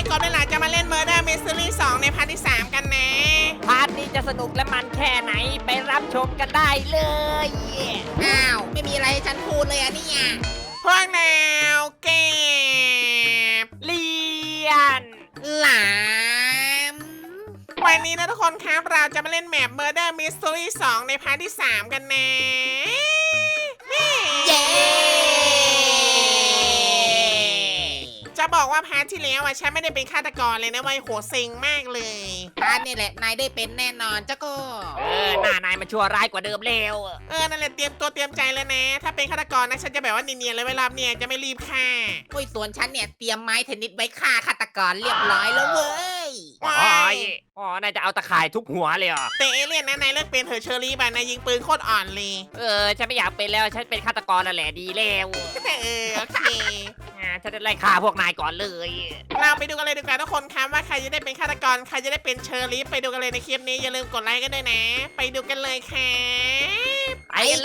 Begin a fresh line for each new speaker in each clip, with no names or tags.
กบได้หลายจะมาเล่น Murder Mystery 2ในพาร์ทที่ 3 กันนะ
พาร์ทนี้จะสนุกและมันแค่ไหนไปรับชมกันได้เลย
อ้าวไม่มีอะไรให้ฉันพูดเลยอะเนี่ย
พวกแนวเก็บ
เลียน
หลาม
วันนี้นะทุกคนครับเราจะมาเล่นแมป Murder Mystery 2 ในพาร์ทที่ 3 กันนะนี่
เย้
จะบอกว่าพาร์ทที่แล้วฉันไม่ได้เป็นฆาตกรเลยนะเว้ยโหเซ็งมากเลย
พาร์ทนี่แหละนายได้เป็นแน่นอนเจ้าก็
หน้านายมันชั่วร้ายกว่าเดิมเร็ว
นั่นแหละเตรียมตัวเตรียมใจเลยนะ ถ้าเป็นฆาตกรนะฉันจะแบบว่าเนียนๆเลยเวลาเนี่ยจะไม่รีบฆ่า
โอ้ยส่วนฉันเนี่ยเตรียมไม้เทนนิสไว้ฆ่าฆาตกรเรียบร้อยแล้วเว้ย
ว้า
นายจะเอาตะข่ายทุบหัวเลยเหรอ
แต่เอเลี่ยนนะนายเลิกเป็นเถอะเชอรี่บ้านายยิงปืนโคตรอ่อนเลย
ฉันไม่อยากเป็นแล้วฉันเป็นฆาตกรนั่นแหละดีแล้ว
โอเค
ฉันจะไล่ฆ่าพวกนายก่อนเลย
เราไปดูกันเลยดีกว่าทุกคนครับว่าใครจะได้เป็นฆาตกรใครจะได้เป็นเชอรี่ไปดูกันเลยในคลิปนี้อย่าลืมกดไลค์กันด้วยนะ ไปดูกันเลยครับ
ไปเลย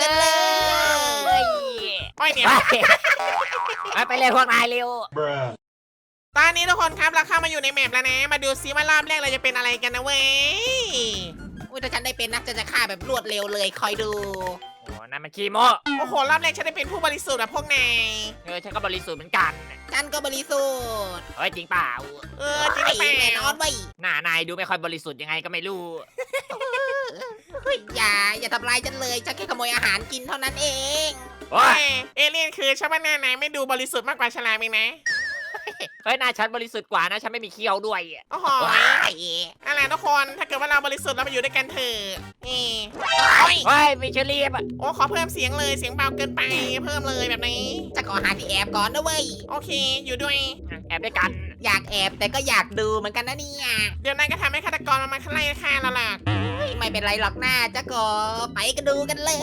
โอ้ยเนี่ย
ไปเลยพวกนายเร็ว
ตอนนี้ทุกคนครับเราเข้ามาอยู่ในแมปแล้วนะ มาดูซิว่ารอบแรกเราจะเป็นอะไรกันนะเว้ย
อุ้ยถ้าฉันได้เป็นนะจะฆ่าแบบรวดเร็วเลยคอยดู
นั่นมันขี้โม้
โอ้โหรอบแรกฉันได้เป็นผู้บริสุทธิ์อะพวกนาย
ฉันก็บริสุทธิ์เหมือนกัน
ฉันก็บริสุทธิ์
จริงเปล่า
จริงหรือเปล่า
แน่นอนเว้ย
หน้านายดูไม่ค่อยบริสุทธิ์ยังไงก็ไม่รู้
เฮ้ยอย่าทำร้ายฉันเลยฉันแค่ขโมยอาหารกินเท่านั้นเอง
เอเลี่ยนคือชาวบ้านหน้านายไม่ดูบริสุทธิ์มากกว่าฉลามเองนะ
หน้าฉันบริสุทธิ์กว่านะฉันไม่มีเขี้ยวด้วย
โอ้โห
ว้าย
อะไรทุกคนถ้าเกิดว่าเราบริสุทธิ์เรามาอยู่ด้วยกันเถอะนี่
มีเชอรี่
โอ้ขอเพิ่มเสียงเลยเสียงเบาเกินไปเพิ่มเลยแบบนี้
จะขอหาที่แอบก่อนนะเว้ย
โอเคอยู่ด้วย
แอบด้วยกัน
อยากแอบแต่ก็อยากดูเหมือนกันนะเนี่ย
เดี๋ยวนายก็ทำให้ฆาตกรมันมาไล่ฆ่าเราหรอก
ไม่เป็นไรหรอกหน้าจะก็ไปกันดูกันเลย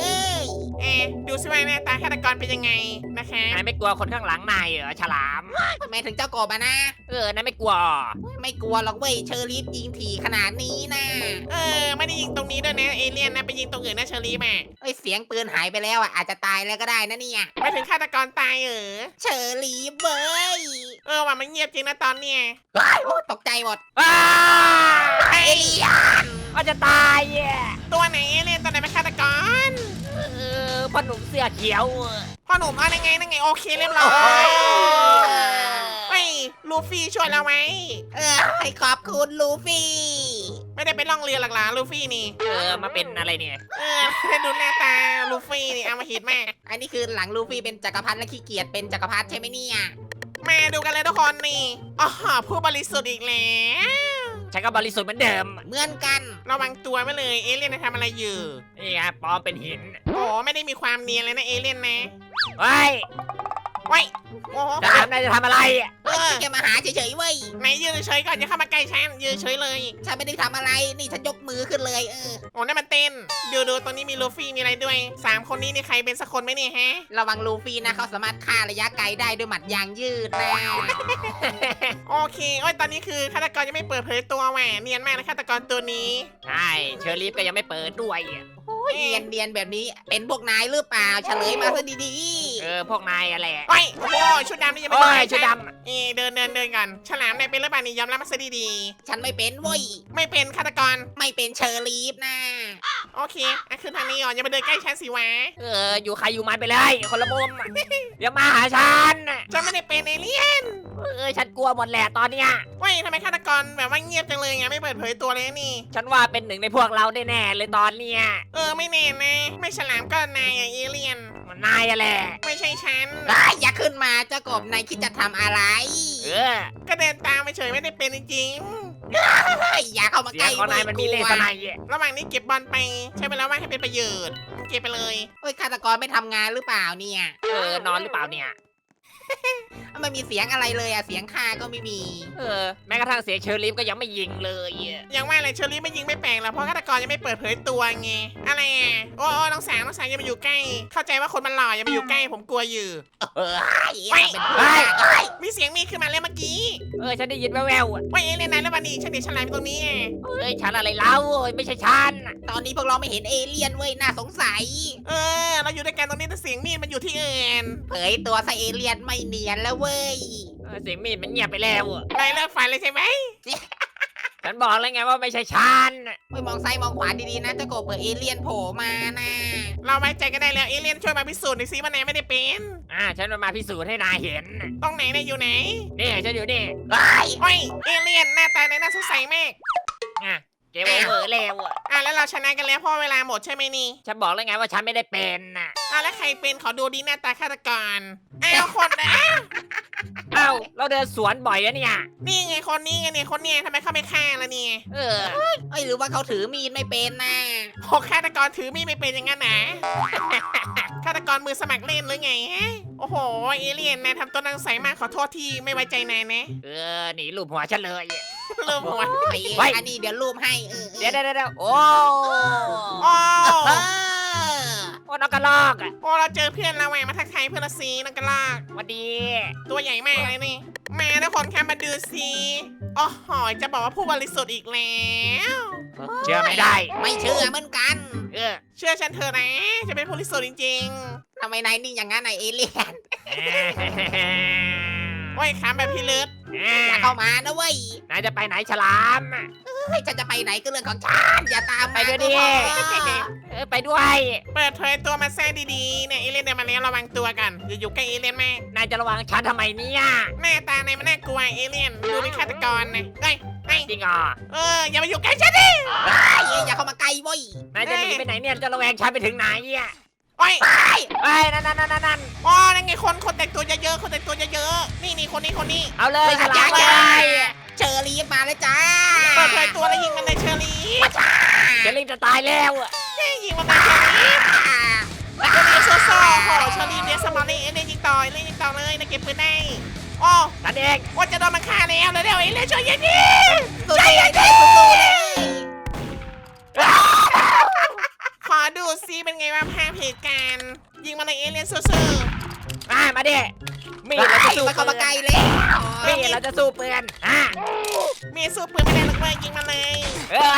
ดูสิว่าหน้าตาฆาตกรเป็นยังไงนะคะ
นายไม่กลัวคนข้างหลังนายเหรอฉลาม
ทำไมถึงเจ้ากบอะนะ
นายไม่กลัว
ไม่กลัวหรอกเว้ยเชอรีฟยิงถี่ขนาดนี้นะ
ไม่ได้ยิงตรงนี้ด้วยนะเอเลี่ยนนะไปยิงตรงอื่นนะเชอรี่แม่
เอ้ยเสียงปืนหายไปแล้วอ่ะอาจจะตายแล้วก็ได้นะเนี่ย
ไม่ถึงฆาตกรตาย
เชอรีฟเว้ย
ว่ามันเงียบจริงนะตอนเนี้ย
ว้ายโอ้ตกใจหมด เอเลียน
ว่าจะตาย
ตัวไหนเอเลี่ยนตัวไหนเป็นฆาตกร
พ่อหนุ่มเสื้อเขียว
พ่อหนุ่มนั่นไงโอเคเรียบร้อยเฮ้ยลูฟี่ช่วยเราไหม
ให้ขอบคุณลูฟี่
ไม่ได้ไปล่องเรือหลักหลาลูฟี่นี่
มาเป็นอะไรเนี่ย
ให้ดูหน้าตาลูฟี่นี่เอามาหิดมาก
อันนี้คือหลังลูฟี่เป็นจักรพรรดิและขี้เกียจเป็นจักรพรรดิใช่ไหมเนี่ย
มาดูกันเลยทุกคนนี่อ๋อผู้บริสุทธิ์อีกแล้ว
ฉันก็บริสุทธิ์เหมือนเดิม
เหมือนกัน
ระวังตัวไว้เลยเอเลี่ยนทำอะไรอยู่
นี่ไงปลอมเป็นหิน
โอ้ไม่ได้มีความเนียนเลยนะเอเลี่ยนนะ
เฮ้ย
ไว้โอ้โห
ฉลามนายจะทำอะไร
แค่มาหาเฉยๆเว้ย
ไหนยืนเฉยก่อนอย่าเข้ามาใกล้ฉันยืนเฉยเลย
ฉันไม่ได้ทำอะไรนี่ฉันยกมือขึ้นเลย
โอ้นั่นมันเต้นดูตรงนี้มีลูฟี่มีอะไรด้วย3คนนี้นี่ใครเป็นสักคนไหมเนี่ยฮะ
ระวังลูฟี่นะเขาสามารถฆ่าระยะไกลได้ด้วยหมัดยางยืดนะ
โอเคโอ้ยตอนนี้คือฆาตกรยังไม่เปิดเผยตัวแหวเนียนมากนะฆาตกรตัวนี้
ใช่เชอรี่ก็ยังไม่เปิดด้วย
เนียนแบบนี้เป็นพวกนายหรือเปล่าเฉลยมาซะดี
พวกนายอะไร
โอ้ยโอ้โหชุดดำนี่ยังไม่
โอ้ย
ได้
ชุดด
เดินกันฉลามนายเป็นหรือเปล่านี่ยอมรับมาซะดี
ๆฉันไม่เป็นเว้ย
ๆไม่เป็นฆาตกร
ไม่เป็นเชอรีฟนะ
โอเคขึ้นทางนี้ก่อนอย่ามาเดินใกล้ฉันสิวะ
อยู่ใครอยู่มันไปเลยคนละมุมเดี๋ยวมาหาฉัน
ฉันไม่ได้เป็นเอเลี่ยน
ฉันกลัวหมดแหละตอนเนี้ย
เว้ยทำไมฆาตกรแบบว่าเงียบจังเลยไงไม่เปิดเผยตัวเลยนี่
ฉันว่าเป็นหนึ่งในพวกเราแน่ๆเลยตอนเนี้ย
ไม่แน่นะไม่ฉลามก็นายเอเลี่ยน
มันนายอะแหละ
ไม่ใช่ฉัน
อย่าขึ้นมาเจ้ากบนายคิดจะทำอะไร
ก็เดินตามไปเฉยไม่ได้เป็นจริง
อย่าเข้ามา
เสี
ใก
ย
ล้
งของนายมันมีเลสไนย
ๆระหว่างนี้เก็บบอลไปใช้เวลาว่างให้เป็นประโยชน์เก็บไปเลย
เฮ้ยฆาตกรไม่ทำงานหรือเปล่าเนี่ย
นอนหรือเปล่าเนี่ย
ไม่มีเสียงอะไรเลยเสียงฆ่าก็ไม่มี
แม้กระทั่งเสียงเชอร์ลีฟก็ยังไม่ยิงเลย
อย่างว่าเลยเชอรี่ไม่ยิงไม่แปลงหรอกเพราะฆาตกรยังไม่เปิดเผยตัวไงอะไรโอ้น้องสางอย่ามาอยู่ใกล้ เข้าใจว่าคนมันหล่ออย่ามาอยู่ใกล้ผมกลัวอยู่ มีเสียงมีขึ้นมาแล้วเมื่อกี้
ฉันได้ยินแว่ว
ว่าเอเลี่ยนนายแล้ววันนี้ฉันเดี๋ยวฉลามอยู่ตรงนี้
ฉันอะไรเล่าไม่ใช่ฉัน
ตอนนี้พวกเราไม่เห็นเอเลี่ยนเว้ยน่าสงสัย
เราอยู่ด้วยกันตรงนี้แต่เสียงมีดมันอยู่ที่อื่น
เผยตัวซะเอเลี่ยนไม่เนียนแล้วเว้ย
เสียงมีดมันเงียบไปแล้วอะ
นายเลิกฝันเลยใช่ไหม
ฉันบอกแล้วไงว่าไม่ใช่ฉัน
ไม่มองซ้ายมองขวาดีๆนะเจ้ากบเผื่อเอเลี่ยนโผล่มานะ
เราไว้ใจกันได้แล้วเอเลี่ยนช่วยมาพิสูจน์หน่อยสิว่านายไม่ได้เป็น
ฉันมาพิสูจน์ให้นายเห็น
ตรงไหนนายอยู่ไหน
นี่ฉันอยู่นี่
เฮ้ย
โอ้ยเอเลี่ยนหน้าตานายน่าสงสัยมาก
อ่ะเกมโอเวอร์แล้วอะ
แล้วเราชนะกันแล้วเพราะเวลาหมดใช่ไหมนี่
ฉันบอกแล้วไงว่าฉันไม่ได้เป็นน่ะ
แล้วใครเป็นขอดูดีหน้าตาฆาตกรคนนะ
เอ้าเราเดินสวนบ่อยอะเนี่ย
นี่ไงคนนี้ไงเนี่ยคนเนี้ยทำไมเขาไม่ฆ่าล่ะเนี่ย
เออ
เอ้ยหรือว่าเขาถือมีดไม่เป็นนะ
โอ้ฆาตกรถือมีดไม่เป็นอย่างนั้นนะ ฆาตกรมือสมัครเล่นหรือไงฮะโอ้โหเอเลี่ยนนายทำตัวนังใสมากขอโทษที่ไม่ไว้ใจนายนะ
หนีลูบหัวฉันเลย
ลืมหัว
ไอ้
ไว้
อันนี้เดี๋ยวรูปให้
เดี๋ยวโอ้
โอ้
เออ
โอ้น้องกระลอกอะ
โอ้เราเจอเพื่อนเราแหวมาทักทายเพื่อนละซีนังกระลาก
สวัสดี
ตัวใหญ่มากเลยนี่มาทุกคนคะมาดูสิโอ้โหจะบอกว่าผู้บริสุทธิ์อีกแล้ว
เชื่อไม่ได้
ไม่เชื่อเหมือนกัน
เออ
เชื่อฉันเถอะนะจะเป็นผู้บริสุทธิ์จริง
ทำไมนายนิ่งอย่างนั้นนายเอเลี่ยน
ๆโอ้ยขามแบบพี่เลิศ
อย่าเข้ามานะเว้ย
นายจะไปไหนฉลาม
เฮ้ยฉันจะไปไหนก็เรื่องของฉันอย่าตาม
ไปด้วยดิ
ก็พอ
ไปด้วย
เปิดเผยตัวมาแซ่ดีๆเนี่ยเอเลี่ยนเดินมาแล้วระวังตัวกันอย่าอยู่ใกล้เอเลี่ยนมาก
นายจะระวังฉันทำไมเนี่ย
หน้าตาในมันน่ากลัวเอเลี่ยนดูเป็นฆาตกรนะเฮ้ย
จริงเหรอ
อย่ามาอยู่ใกล้ฉันดิ
อย่าเข้ามาใกล้เว้ย
นายจะหนีไปไหนเนี่ยจะระแวงฉันไปถึงไหนอ่ะ
โอ้ย
ไปนั่น
อ๋อนั่นไงคนแต่งตัวเยอะๆคนแต่งตัวเยอะๆนี่คนนี้
เอาเลยฉลาม
เล
เลย
เชอรี่มาเลยจ้า
เปิดเผยตัวแล้วยิงมันเลยเชอรี่
จะรีบจะตายแล้วอะ
ยิงมันเลยเชอรี่เชอรี่โซ่โหเชอรี่เดสมอลลี่เอเลี่ยนยิงต่อเลยนะเก็บปืนได้อ๋อ
นั่นเอง
ว่าจะโดนมันฆ่าแล้วเร็วๆเอเลี่ยนช่วยยิงดิ
สู้ๆเลยสู้ๆเลย
ขอดูซิเป็นไงว่าภาพเหตุการณ์ยิงมันเลยเอเลี่ยนซื่อ
มาดิมีดเราจะสู้
ไม่เข้า
ปื
มาน ใกล้เลย
มีดเราจะสู้ปืน
มีสู้ปืนไม่ได้หรอกเว้ยยิงมันเลย
เออ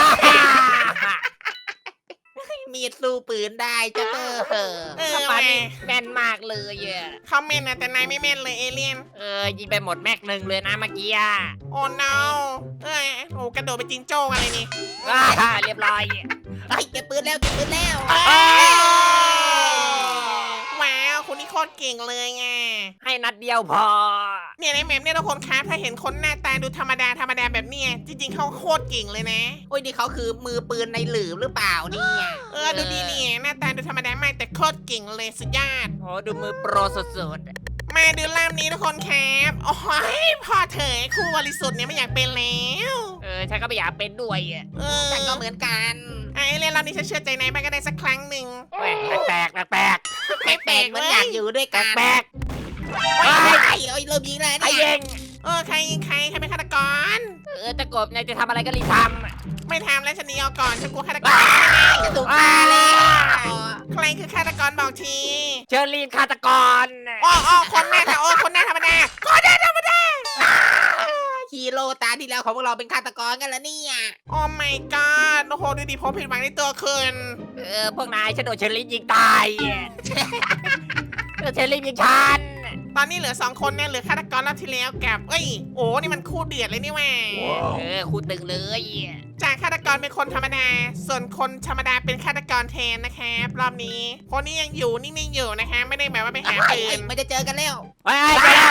มีดสู้ปืนได้จ้าเตอ
สปานี่แม่นมากเลยอ่ะ
เขาแม่นนะแต่นายไม่แม่นเลยเอเลี่ยน
ยิงไปหมดแม็กหนึ่งเลยนะเมื่อกี้
โอ้ no โอ้กระโดดไปจิงโจ้กันเลยนี่
เรียบร้อย
เฮ้ยเก็บปืนแล้ว
ว้าวคุณนี่โคตรเก่งเลยไง
ให้นัดเดียวพอ
เนี่ยในแมปเนี่ยทุกคนครับถ้าเห็นคนหน้าตาดูธรรมดาแบบเนี้ยจริงๆเขาโคตรเก่งเลยนะ
โอ้ยนี่เขาคือมือปืนในหลืมหรือเปล่าเนี่ย
ดูดีเนี่ยหน้าตาดูธรรมดามากแต่โคตรเก่งเลยสุดยอด
โอ้ดูมือโปรสุด
มาดูล่ามนี้ทุกคนครับโอ้ยพอเถอะครูบริสุทธิ์เนี่ยไม่อยากเป็นแล้ว
ฉันก็ไม่อยากเป็นด้วย
ฉันก็เหมือนกัน
ไอ้เรื่องเรานี่ฉันเชื่อใจนายไปก็ได้สักครั้งหนึ่ง
แปลก
แปลกๆเหมือนอยากอยู่ด้วยกัน
แปลก
โอ้ยเริ่มยิงเลย
ไอ้
เนี่ย
เอง
ใครเป็นฆาตกร
ตะกบนายจะทำอะไรก็รีบท
ไม่ทำแล้วฉันหนีเอาก่อนฉันกลัวฆาตกร
จะถูกฆ่าแล้ว
ใครคือฆาตกรบอกที
ำเชอรีนฆาตกร
คนหน้าคนหน้าธรรมดา
ฮีโร่ตาที่แล้วของพวกเราเป็นฆาตกรกันแล้วเนี่ย
โอ้ my god โอ้โหดูดิผมผิดหวังในตัวคืน
พวกนายฉันโดนเชอรีนยิงตายเชอรีนยิงฉัน
ตอนนี้เหลือ2คนเนี่ยเหลือฆาตกรรอบที่แล้วกับโอ้นี่มันคู่เดือดเลยนี่แหว่า
คู่ตึงเลย
จากฆาตกรเป็นคนธรรมดา ส่วนคนธรรมดาเป็นฆาตกรแทนนะครับรอบนี้คนนี้ยังอยู่นิ่งๆอยู่นะคะไม่ได้แบบว่าไปหาปืน
ไม่จะเจอกันแล้ว
ไปแล้ว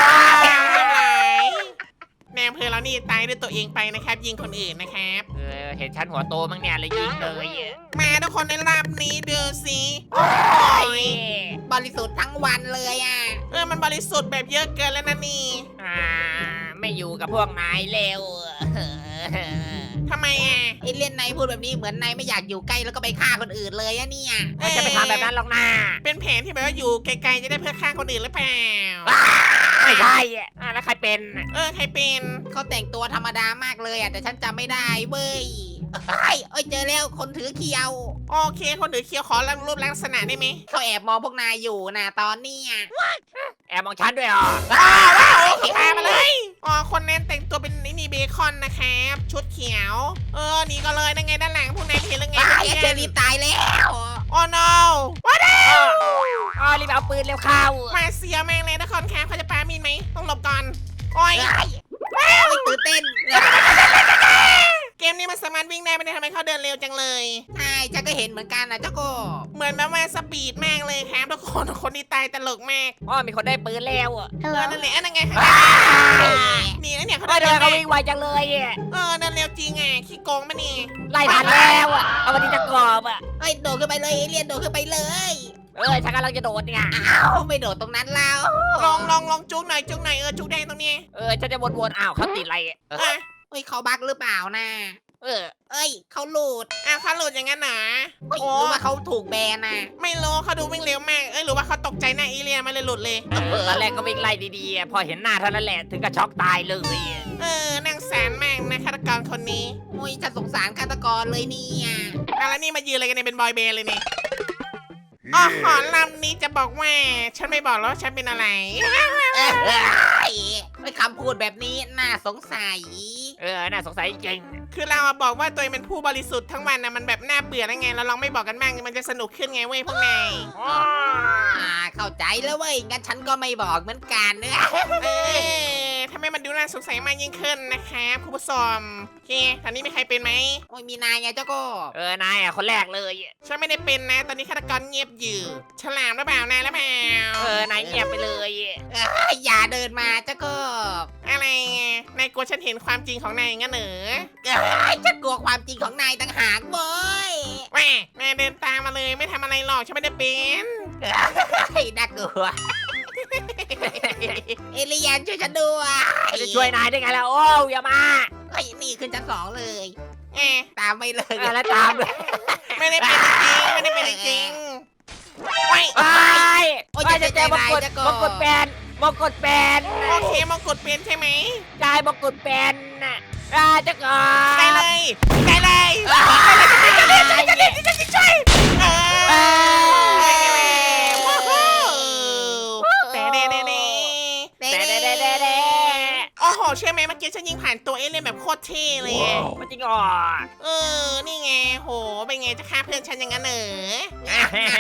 แนมเพอเรานี่ตายด้วยตัวเองไปนะครับยิงคนอื่นนะครับ
เห็นฉันหัวโตมั้งเนี่ยเลยยิงเลย
มาทุกคนในรอบนี้ดูสิโอ้ย
บริสุทธิ์ทั้งวันเลยอ่ะ
มันบริสุทธิ์แบบเยอะเกินแล้วนะนี่
ไม่อยู่กับพวกนายเร็ว
ทำไม
ไอเล่นนายพูดแบบนี้เหมือนนายไม่อยากอยู่ใกล้แล้วก็ไปฆ่าคนอื่นเลยอะเนี่ย
จะไปทำแบบนั้นหรอกนะ
เป็นแผนที่แบบว่าอยู่ไกลๆจะได้เพื่อฆ่าคนอื่นหรือเปล่า
ไม่ใช่แล้วใครเป็น
ใครเป็น
เขาแต่งตัวธรรมดามากเลยอ่ะแต่ฉันจำไม่ได้เว้ยเอ้ยเจอแล้วคนถือเขียว
โอเคคนถือเคียวขอรูปลักษณะได้ไหม
เขาแอบมองพวกนายอยู่นะตอนเนี้ย
แอบมองฉันด้วยเหรอ
โอเคมาเลยคนนั้นแต่งตัวเป็นนี่เบคอนนะครับชุดเขียวหนีก็เลยนั่นไงด้านหลังพวกนายเห็นหรือไง
เจอรีตายแล้ว
โอ้ no
รีบเอาปืนเร็วเข้า
มาเสียแม่งเลยทุกคนครับเขาจะปามีนไหมต้องหลบก่อนโอ้ย
โอ้ยตื่นเต้น
เกมนี้มันสามารถวิ่งได้ไม่ได้ทำไมเขาเดินเร็วจังเลย
ใช่ฉันก็เห็นเหมือนกันนะเจ้ากบ
เหมือนแบบว่าสปีดมากเลยครับทุกคนคนที่ตายตลกมาก
อ๋อมีคนได้ปืนแล้วอ่ะ
นั่นแหละนั่นไงนี่นะเนี่ยเขา
เฮ้
เดิ
ย
น
ทำ
เร็ว
ไมเขาวิ่งไวจังเลยอ่ะ
เดินเร็วจริงอ่ะขี้โกงปะนี่
ไล่ทันแล้วอ่ะเอามาที่ตะกอบอ่ะ
เอ้ยโดดขึ้นไปเลยเอเลี่ยนโดดขึ้นไปเลย
ฉันกำลังจะโดดเนี่ย
อ้าวไม่โดดตรงนั้นแล้ว
ลองจุกหน่อยจุกแดงตรงนี้
ฉันจะวนๆอ้าวเขาติดอะไรอ่ะ
อ่ะ
เฮ้ยเขาบักหรือเปล่านะ เอ้ยเขาหลุด
เขาหลุดอย่างนั้นหนา
เฮ้ยหรือว่าเขาถูกแบนนะ
ไม่รู้เขาดูวิ่งเร็วมากหรือว่าเขาตกใจหน้าอีเลียนมาเลยหลุดเลย
ตอนแรกก็วิ่งไล่ดีๆพอเห็นหน้าเท่านั้นแหละถึงกับช็อกตายเลย
นั่งแสนมากนะฆาตกรคนนี้
โอ้ยฉันสงสารฆาตกรเลยเนี่ย
แล้วนี่มายืนอะไรกันเนี่ยเป็นบอยเบนด์เลยนี่อ๋อหอลำนี้จะบอกว่าฉันไม่บอกแล้วว่าฉันเป็นอะไร
ไม่คำพูดแบบนี้น่าสงสัย
น่าสงสัยจริง
คือเราบอกว่าตัวเองเป็นผู้บริสุทธิ์ทั้งวันนะมันแบบน่าเบื่อแล้วไงเราลองไม่บอกกันบ้างมันจะสนุกขึ้นไงเว้ยพวกนาย
เข้าใจแล้วเว้ยงั้นฉันก็ไม่บอกเหมือนกันเนอะ
ทำให้มันดูน่าสงสัยมากยิ่งขึ้นนะครับคุณผู้ชมโอเคตอนนี้มีใครเป็นไหม
โอ้ยมีนายไงเจ้าก็
นายคนแรกเลย
ฉันไม่ได้เป็นนะ ตอนนี้ฆาตกรเงียบอยู่ฉลามหรือเปล่านายหรือเปล่าน
ายเงียบไปเลย
อย่าเดินมาเจ้าก็
อะไรไงนายกลัวฉันเห็นความจริงของนายงั้นเหรอ
ฉันกลัวความจริงของนายต่างหากเว้ย
แหม่นายเดินตามมาเลยไม่ทำอะไรหรอกฉันไม่ได้เป็น
น่ากลัวเอเลียนช่วยฉันด้วย
จะช่วยนายได้ไงล่ะโอ้อย่ามา
เฮ้ยนี่ขึ้นชั้น2เลย
แหม่
ตามไม่เลย
แล้วตามเลย
ไม่ได้เป็นจริงไม่ได้เป็นจริงโอ้ย
จะเจอมงกุฎแปนมงกุฎแปน
โอเคมงกุฎเป็นใช่ไหม
กายมงกุฎแปนน่ะจะก่อ
ไปเลยไปเลยจะช่วยโอ้โหเชื่อไหมเมื่อกี้ฉันยิงผ่านตัวเอเลี่ยนแบบโคตรเท่เลย
มันจริงอ๋อ
นี่ไงโหเป็นไงจะฆ่าเพื่อนฉันอย่างนั้นเหรอ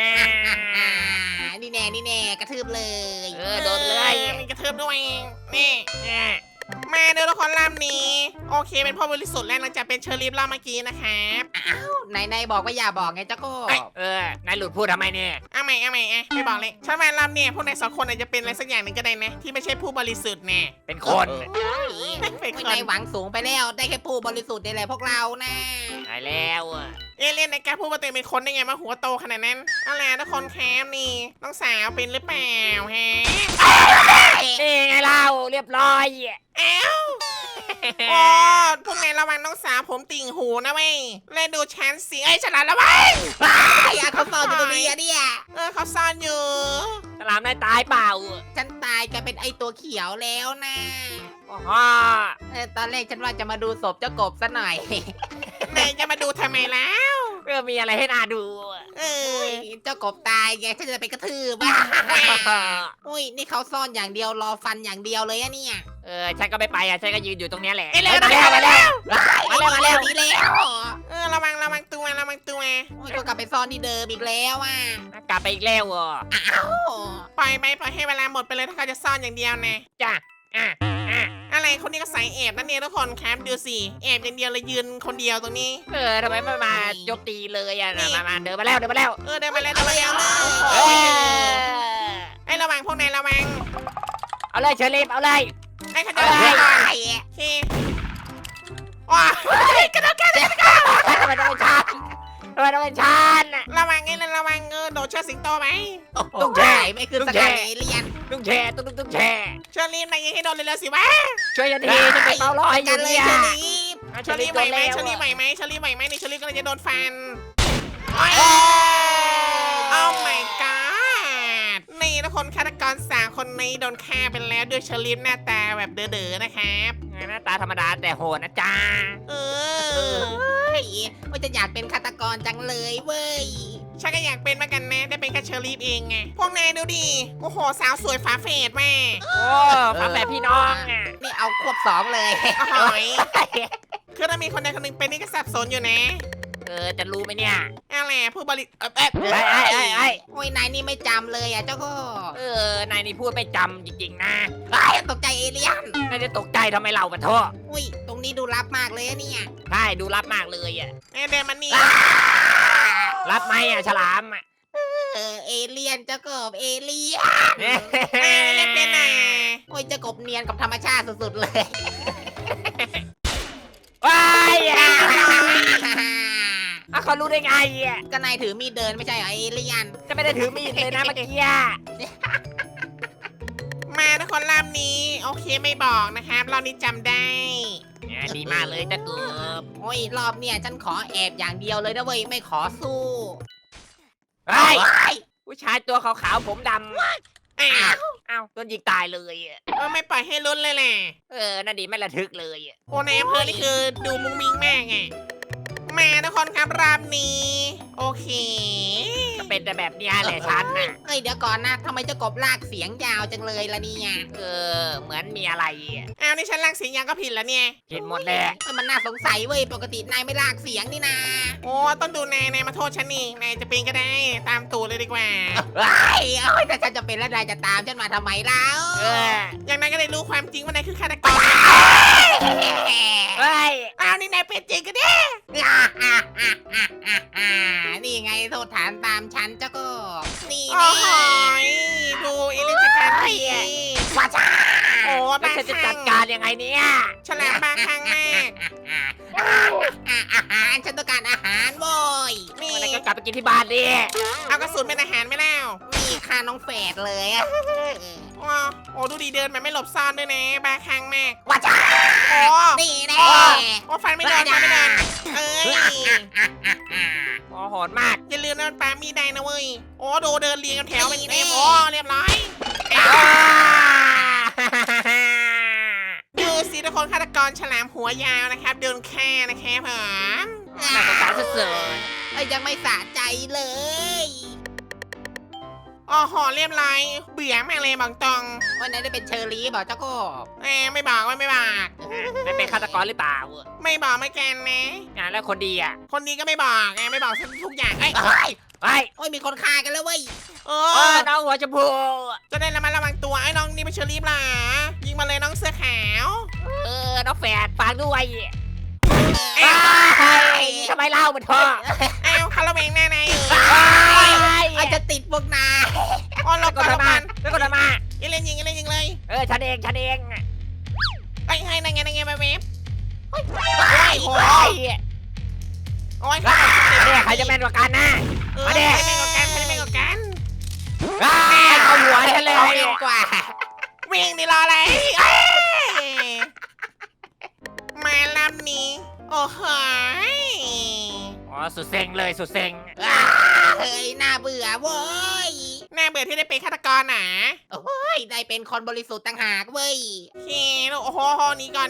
นี่แน่กระทืบเลย
โดนเลย
มีกระเทิบด้วยนี่มาเดี๋ยวละครล่ามนี้ โอเคเป็นพ่อบริสุทธิ์แล้วหลังจากเป็นเชอรี่ล่ามเมื่อกี้นะครับ
นายบอกว่าอย่าบอกไงเจ้าก็
นายหลุดพูดทำไมเนี่ย
เอาใหม่ไม่บอกเลยฉันว่าล่ามเนี่ยพวกนายสองคนอาจจะเป็นอะไรสักอย่างหนึ่งก็ได้นะที่ไม่ใช่ผู้บริสุทธิ์แน่
เป็นคน
เป็นคน
นายหวังสูงไปแล้วได้แค่ผู้บริสุทธิ์นี่แหละพวกเรานะ
ตายแล้ว
เอเลี่ยนในการพูดว่าตัวเองเป็นคนได้ไงมาหัวโตขนาดนั้นเอาล่ะทุกคนแคมนี่น้องสาวเป็นหรือเปล่าฮะ
นี่ไงเล่าเรียบร้อย
อ้าวโอ้พวกนายระวังน้องสาวผมติ่งหูนะเว้ยเล่นดูฉันสิฉลาดแล้วเว้ย
เขาซ่อนอยู่ตรงนี้อะเนี่ย
เขาซ่อนอยู่
สลามนายตายเปล่า
ฉันตายกลายเป็นไอตัวเขียวแล้วนะ
อ๋อ
ตอนแรกฉันว่าจะมาดูศพเจ้ากบซะหน่อย
นายจะมาดูทำไมแล้ว
มีอะไรให้น่าดู
เจ้ากบตายไงฉันจะไปกระทืบอุ้ยนี่เขาซ่อนอย่างเดียวรอฟันอย่างเดียวเลยอะเนี่ย
ฉันก็ไม่ไปฉันก็ยืนอยู่ตรงนี้แหละ
เอ้ยเร็ว
มาแล้ว
มาแล้วนี่แล้ว
ระวังตัว
โอ้ยก็กลับไปซ่อนที่เดิมอีกแล้วอ่ะ
กลับไปอีกแล้ว
ปล่อยให้เวลาหมดไปเลยถ้าเขาจะซ่อนอย่างเดียวนะ
จ้ะ
อะไรคนนี้ก็ใส่แอบนั่นเนี่ยทุกคนครับดูสิแอบอย่างเดียวเลยยืนคนเดียวตรงนี้
ทำไมไม่มาโจมตีเลยมาเดินมาแล้ว
เดินมาแล้วไอ้ระวังพวกนายระวัง
เอาเลยเชอรี่เอาเลย
ไอ้เขาจะโดนก่อนโอเคว้า
ทำไมต้องเป็นฉัน
ระวังโดดเชือกสิงโตไหม
ต้องใช่ไม่คือสกัดเอเลียน
ต้องแชร์ต้องแชร์
เชอรี่นายยิงให้โดนเลยสิวะ
ช่วยฉันทีจะไปเฝ้ารอให้อยู่เนี่ย
เชอรี่ไหวไหมนี่เชอรี่ก็เลยจะโดนฟันโอ้ my god นี่ทุกคนฆาตกร3คนนี้โดนฆ่าไปแล้วด้วยเชอรี่หน้าตาแบบเด๋อๆนะครับ
หน้าตาธรรมดาแต่โหดนะจ๊ะ
ว่าจะอยากเป็นฆาตกรจังเลยเว้ย
ฉันก็อยากเป็นเหมือนกันนะได้เป็นแค่เชอรี่เองไงพวกนายดูดิโอ้โหสาวสวยฝาเฟดแม่
โอ้ฝาแฝดพี่น้องอ่ะ
นี่เอาควบ2เลย
โอ้โหคือถ้ามีคนใดคนหนึ่งเป็นนี่ก็สับสนอยู่นะ
จะรู้ไหมเนี่ย
อะไรผู้บริ
ไอ้
โอ้ยนายนี่ไม่จำเลยเจ้ากบ
นายนี่พูดไม่จำจริงๆนะ
ตกใจเอเลี่ยน
นายจะตกใจทำไมเราปะโทษ
อุ้ยตรงนี้ดูลับมากเลยเนี่ย
ใช่ดูรับมากเลยอ่ะ
เดินมานี่
รับไหมอ่ะฉลามอ่ะ
เอเลี่ยนเจ้ากบเอเลี่ยน
เล่นเป็นน่ะ
โอ้ยเจ้ากบเนียนกับธรรมชาติสุดๆเลย
ว้ายเขารู้ได้ไงอ่ะ
ก็นายถือมีดเดินไม่ใช่เหรอเอเลี่ยน
จะไม่ได้ถือมีดเลยนะเมื่อกี้
มาทุกคนรอบนี้โอเคไม่บอกนะครับรอบนี้จำได้
ดีมากเลยจะเกือบ
โอ้ยรอบเนี่ยฉันขอแอบอย่างเดียวเลยนะเว้ยไม่ขอสู้
เฮ้ย
เฮ้ย
ผู้ชายตัวขาวๆผมดำ
อ้าว
อ้าวโดนยิงตายเลยอ่ะ
ไม่ปล่อยให้ลุ้นเลยแหละ
นั่นดีไม่ระทึกเลยอ่ะ
โอ้ในอำเภอนี่คือดูมุ้งมิ้งมากไงมาทุกคนครับรอบนี้ โอเค
ก็เป็นแต่แบบเนี้ยแหละฉันน่ะ
เอ้ยเดี๋ยวก่อนนะทำไมเจ้ากบลากเสียงยาวจังเลยล่ะเนี่ย
เหมือนมีอะไรอ่ะ
อ้าวนี่ฉันลากเสียงยังก็ผิดแล้วเนี่ย
ผิดหมดแหละ
เอ้ยมันน่าสงสัยเว้ยปกตินายไม่ลากเสียงนี่นา
โอ้ต้องดูนายมาโทษฉันนี่นายจะเป็นก็ได้ตามตูดเลยดีกว่า
เฮ้ยเอ้ยแต่ฉันจะเป็นแล้วนายจะตามฉันมาทำไมเล่า
อย่างนั้นก็ได้รู้ความจริงว่านายคือฆาตกร
เฮ้ย
อ้าวนี่นายเป็นจริงกันดิ
นี่ไงโทษฐานตามฉันเจ้าก็นี่
โอ้
นี่
โหดูอิเล็กทริกการที
ว่าจ้า
โอ้
แล้ว
บ้า
ฉันจะ
ค
จั
ลั่
ด
ง
การยังไงเนี่ย
ฉลาดบ้าคลั่งมาก
อาหารฉันต้องการอาหารโว้ย
นี่
วันนี้ก็กลับไปกินที่บ้านดิ
เอากระสุนเป็นอาหารไม่แล้ว
นี่ค่าน้องแฝดเลยอะ
โอ้ดูดีเดินแบบไม่หลบซ่อนด้วยนะบ้าคลั่งมาก
ว่าจ้า
โอ้
นี่แน่
โอ้ฟันไม่โดนฟันไม่โดนเอ้ย
โหดมาก
อย่าลืมนะมันปามีดได้นะเว้ยโอ้ดูเดินเรียงกันแถวเป็นเต็มโอ้เรียบร้อยดูสิทุกคนฆาตกรฉลามหัวยาวนะครับโดนฆ่านะครับผม
น่าสงสารสุด
เอ้ยยังไม่สะใจเลย
อ๋อหอเรียบร้อยเบื่อมากเลยบอกตรง
วันนี้ได้เป็นเชอรี่บอกเจ้าก็
ไม่บอกว่าไม่บอก
ๆไม่เป็นฆาตกรหรือเปล่า
ไม่บอกไม่แกนนะ
แล้วคนดีอ่ะ
คนนี้ก็ไม่บอกไม่บอกทุกอย่างเอ้ย
เฮ้ย
เฮ้ย
โอ้ยมีคนฆ่ากันแล้วเว้ย
น้องหัวชมพู
จะได้ระมัดระวังตัวไอ้น้องนี่เป็นเชอรี่ปล่ะยิงมาเลยน้องเสื้อขาว
น้องแฝดฟังด้วย
เอ้ย
ทำไมเล่ามันท่อ
เอ้าคาราเบงหน้านายอยู่
อาจจะติดพวกนาย
อ๋อหลบก่อนหลบก่อน
แล้วก็มา
ยิงเลยยิงเลย
ฉันเอง
ไอ้ให้นั่งไงมาเวฟ
โอ้ย
โอ้ย
ใครจะแม่นกว่ากันนะ
มาเด็กใครเป็นกกันใครเป็นกกัน
เอาหัวฉันเลย
เอาเร็วกว่า
วิ่งดิรออะไรมาลำนี้โอ้โห
สุดเซ็งเลยสุดเซ็ง
เฮ้ยน่าเบื่อเว้ย
น่าเบื่อที่ได้เป็นฆาตกรหนา
โอ้ยได้เป็นคนบริสุทธิ์ต่างหากเว้ย
โอเคโอ้โหนี่ก่อน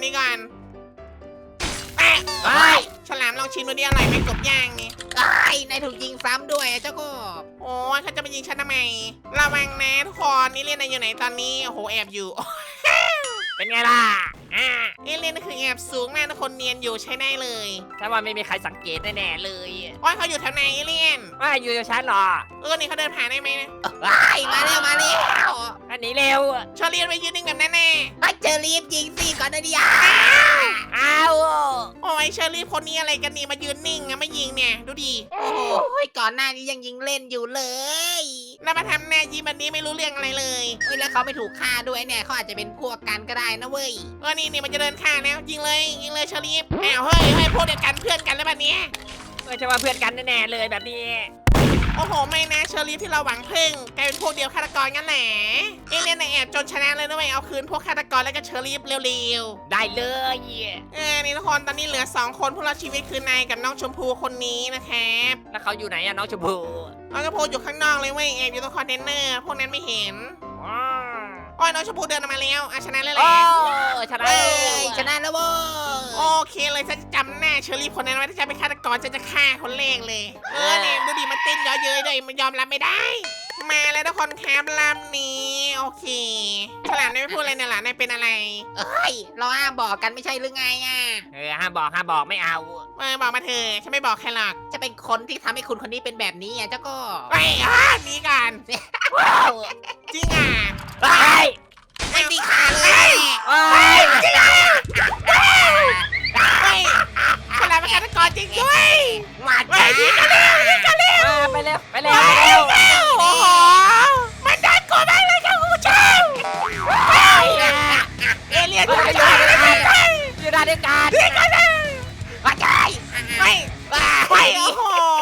ฉลามลองชิมดูดิอร่อยไหมกบย่างนี่
ไอ้นายถูกยิงซ้ำด้วยเจ้าก็
โอ้ยเขาจะมายิงฉันทำไมระวังนะทุกคนนี่เล่นอยู่ไหนตอนนี้โอ้โหแอบอยู่
เป็นไงล่ะ
เอเล่นคือแอบสูงมากทุกคนเนียนอยู่ใช้ได้เลย
ถ้าว่าไม่มีใครสังเกตแน่ๆเลย
โอ้ยเขาอยู่แถวไหนเอเลี่ยน
ว่าอยู่กับฉันหรอ
นี่เขาเดินผ่านได้ไหมนะ
ไอ้มาแล้ว
อันนี้เร็ว
ชอเรียนไปยืนนิ่งแบบนั้นแน่
ไอ้เจอรีบยิงสิก่อนนะดิ
อ้าว
โอ้ยเชอรี่คนนี้อะไรกันนี่มายืนนิ่งอะไม่ยิงเนี่ยดูดิ
โอ้ยก่อนหน้านี้ยังยิงเล่นอยู่เลย
แล้วมาทำหน้ายิ้มแบบนี้ไม่รู้เรื่องอะไรเลย
เฮ้ยแล้วเขาไม่ถูกฆ่าด้วยเนี่ยเขาอาจจะเป็นพวกกันก็ได้นะเว้ย
นี่มันจะเดินข้างแล้วยิงเลยเชอรี่อ้าวเฮ้ยพวกเดียวกันเพื่อนกันแล้วแบบนี้
ไม่ใช่ว่าเพื่อนกันแน่ๆเลยแบบนี้
โอ้โหไม่นะเชอรี่ที่เราหวังพึ่งกลายเป็นพวกเดียวฆาตกรงั้นแหละเอเลี่ยนแอบจนชนะเลยนะเว้ยเอาคืนพวกฆาตกรแล้วก็เชอรี่เร็ว
ได้เลย
ๆนี่ทุกคนตอนนี้เหลือ2คนผู้รอดชีวิตคือนายกับน้องชมพูคนนี้นะครับ
แล้วเขาอยู่ไหนอะน้องชมพู
น้องชมพูอยู่ข้างนอกเลยเว้ยแอบอยู่ตรงคอนเทนเนอร์พวกนั้นไม่เห็นโอ้ยน้องชมพูเดินออกมาแล้วชนะเลยแห
โอ้
ละ
ชนะ
เอ้ยชนะแล้วเว้ย
โอเคเลยฉันจะจำหน้าเชอรี่คนนั้นไว้ถ้าจะเป็นฆาตกรฉันจะฆ่าคนแรกเลยเนี่ยดูดิมันเต้นเยอะเย้ยด้วยมันยอมรับไม่ได้ มาแล้วทุกคนครับลำนี้โอเคฉลามนายไม่พูดอะไรเนี่ยหรอนายเป็นอะไร
เอ้ยเราห้ามบอกกันไม่ใช่หรือไงอ่ะ
ห้ามบอกไม่เอา
บอกมาเถอะฉันไม่บอกใครหรอก
จะเป็นคนที่ทำให้คุณคนนี้เป็นแบบนี้อ่ะเจ้าก็
ไปหนีกัน
ว้าว
จริงอ่ะ
เฮ้ย
ไม่มีขาเลย
เฮ้ย
เฮ้ยฉลามเป็นฆาตกรจริงด้วย
มา
เฮ้ยยิงกันเลยยิงกันเลย
ไปเร็วไปเร็ว
โอ้โหมันน่ากลัวมากเลยครับคุณผู้ชมเอเลี่ยนอยู่ไหน
อยู่ด้านเดียวกัน
มาใจ
ไม่ไปโอ้โห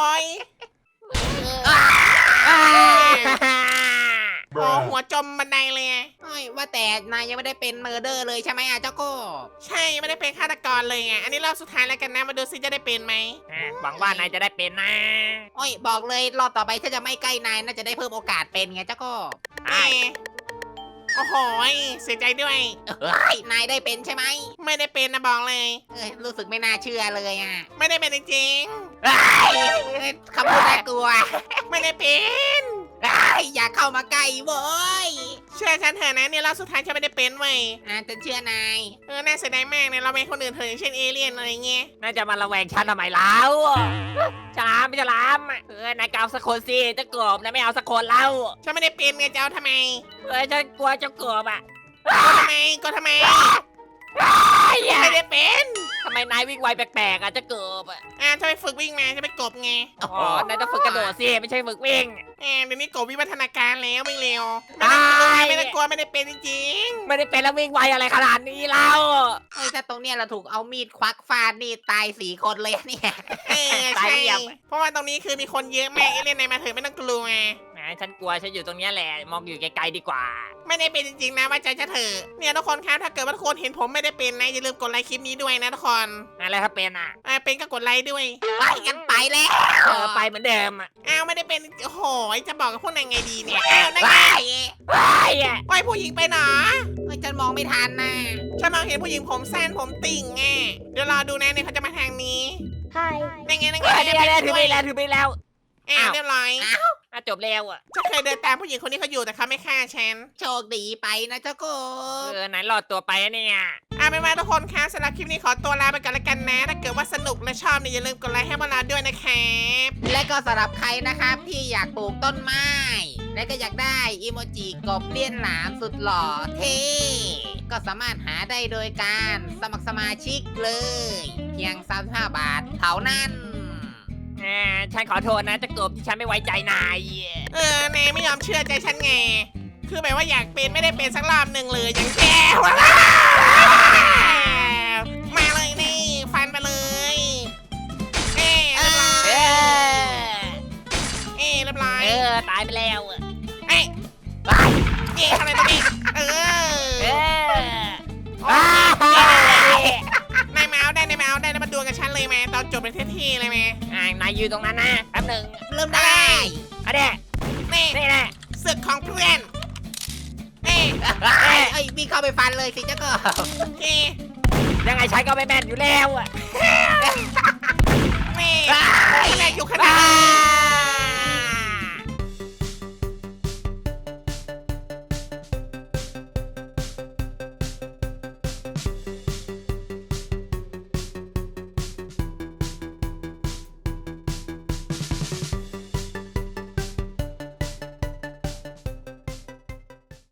โอ้หัวจมบันไดเลย
ว่าแต่นายยังไม่ได้เป็นเมอร์เดอร์เลยใช่ไหมอ่ะเจ้าก็
ใช่ไม่ได้เป็นฆาตกรเลยอ่ะอันนี้รอบสุดท้ายแล้วกันนะมาดูซิจะได้เป็นไหม
หวังว่านายจะได้เป็นนะ
โอ้ยบอกเลยรอบต่อไปถ้าจะไม่ใกล้นายน่าจะได้เพิ่มโอกาสเป็นไงเจ้าก็
โอ้โหเสียใจด้วย
เฮ้ยนายได้เป็นใช่ไหม
ไม่ได้เป็นนะบอกเลย
รู้สึกไม่น่าเชื่อเลยอ่ะ
ไม่ได้เป็นจริง
คำพูดน่ากลัว
ๆไม่ได้เป็น
อย่าเข้ามาใกล้เว้ย
เชื่อฉันเถอะนะเนี่ยรอบสุดท้ายฉันไม่ได้เป็นเว้ย
ฉันเชื่อนาย
น่าเสียดายมากเนี่ยเราเป็นคนอื่นเถอะอย่างเช่นเอเลี่ยนอะไรเงี้ย
น่าจะมาระแวงฉันทำไมแล้วฉลามไม่ฉลามนายกเอาสักคนสิเจ้ากบนายไม่เอาสักคนแล้ว
ฉันไม่ได้เป็นไงจะเอาทำไม
ฉันกลัวเจ้ากบอ่ะ
ก็ทำไมไม่ได้เป็น
ทำไมนายวิ่งไวแปลกๆอ่ะเจ้ากบอ่ะ
จะไปฝึกวิ่งมาจะไปกบไง
อ๋อนายต้องฝึกกระโดดสิไม่ใช่ฝึกวิ่ง
เดี๋ยวนี้กบวิวัฒนาการแล้ววิ่งเร็ว
ตาย
ไม่ต้องกลัวไม่ได้เป็นจริง
ไม่ได้เป็นแล้ววิ่งไวอะไรขนาดนี้เล่า
ถ้าตรงเนี้ยเราถูกเอามีดควักฟาดนี่ตาย4 คนเลยเนี่ย
ใช่เพราะว่าตรงนี้คือมีคนเยอะแม่เอเลี่ยนในมาเถอะไม่ต้องกลัวไง
แหมฉันกลัวฉันอยู่ตรงเนี้ยแหละมองอยู่ไกลๆดีกว่า
ไม่ได้เป็นจริงๆนะว่าใจจะเถอะเนี่ยทุกคนครับถ้าเกิดว่าทุกคนเห็นผมไม่ได้เป็นนะอย่าลืมกดไลค์คลิปนี้ด้วยนะทุกคน
อะไรถ้าเป็นอ่ะ
เป็นก็กดไลค์ด้วย
ไปกันไปแล้ว
ไปเหมือนเดิมอ่ะ
ไม่ได้เป็นโอ้โหจะบอกกับพวกนายไงดีเนี่ยนั่น
ไป
ไง
ไปอ่ะ
โอ้ยผู้หญิงไปหนอ
ฉันมองไม่ทันนะ
ฉันมองเห็นผู้หญิงผมสั้นผมติ่งไงเดี๋ยวรอดูนะเนี่ยเขาจะมาทางนี้
Hi.
นั่นไง
ถือไปแล้วถือไปแล้ว
เรียบร้อย
จบแล้วอ่ะ
ฉันเคยเดินตามผู้หญิงคนนี้เขาอยู่แต่เขาไม่ฆ่าฉัน
โชคดีไปนะเจ้าก็
ไหนรอดตัวไปเนี่ย
ไม่ว่าทุกคนคะสำหรับคลิปนี้ขอตัวลาไปก่อนละกันนะ ถ้าเกิดว่าสนุกและชอบเนี่ยอย่าลืมกดไลค์ให้พวกเราด้วยนะครับ
และก็สำหรับใครนะครับที่อยากปลูกต้นไม้ และก็อยากได้อีโมจิกบเลี้ยนหลามสุดหล่อเท่ก็สามารถหาได้โดยการสมัครสมาชิกเลย เพียง35 บาทเท่านั้น
ฉันขอโทษนะเจ้ากบที่ฉันไม่ไว้ใจนาย
นายไม่ยอมเชื่อใจฉันไง คือแบบว่าอยากเป็นไม่ได้เป็นสักรอบหนึ่งเลยอย่างแกวะมาเลยนี่ฟันไปเลยเรียบร้อย
ตายไปแล้ว
ทำอะไรตรงนี้นายมาเอาได้แล้วมาดวลกับฉันเลยไหมตอนจบเป็นเท่ๆเลยไหม
นายยืนตรงนั้นนะแป๊บหนึ่ง
เริ่มได้
อันนี้
นี่
นี่แหละ
ศึกของเพื่อน
เอ้ยวิ่งเข้าไปฟันเลยสิเจ้าก็
โอเค
ยังไงฉันก็ไม่แม่นอยู่แล้วอ่ะ
นี่แรกอยู่ขนาดนี้